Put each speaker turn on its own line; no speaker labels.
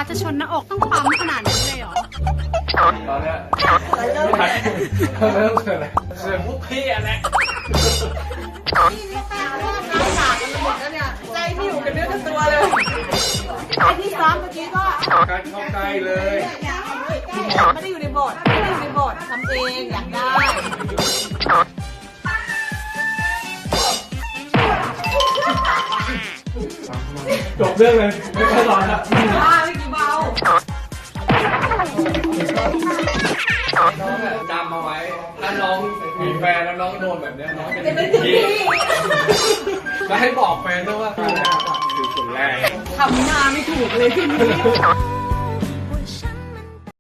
จะชนหน้าอกต้องปั๊มขนาดนี้เลยเหรอ
ตอนเนี้ยเริ่มเกิดอะไรเกิดพวกพี่อะไร
ใจที่อยู่กันเนื้อกับตัวเลยไอ้ที่ซ้อมเมื่อกี้ก็
การเข้าใกล้เลย
ไม่ได้อยู่ในบทไม่ได้อยู่ในบททำเองอยากได้
จบเรื่องเลยไม่ค่อยร้อนละ
ไม่กี่เบา
น้องจำมาไว้ถ้าน้องมีแฟนแล้วน้องโดนแบบนี้น้องเป็นพี่แล้วให้บอกแฟนด้วยว่าคือคนแรก
ทำหน้าไม่ถูกเลยที่นี่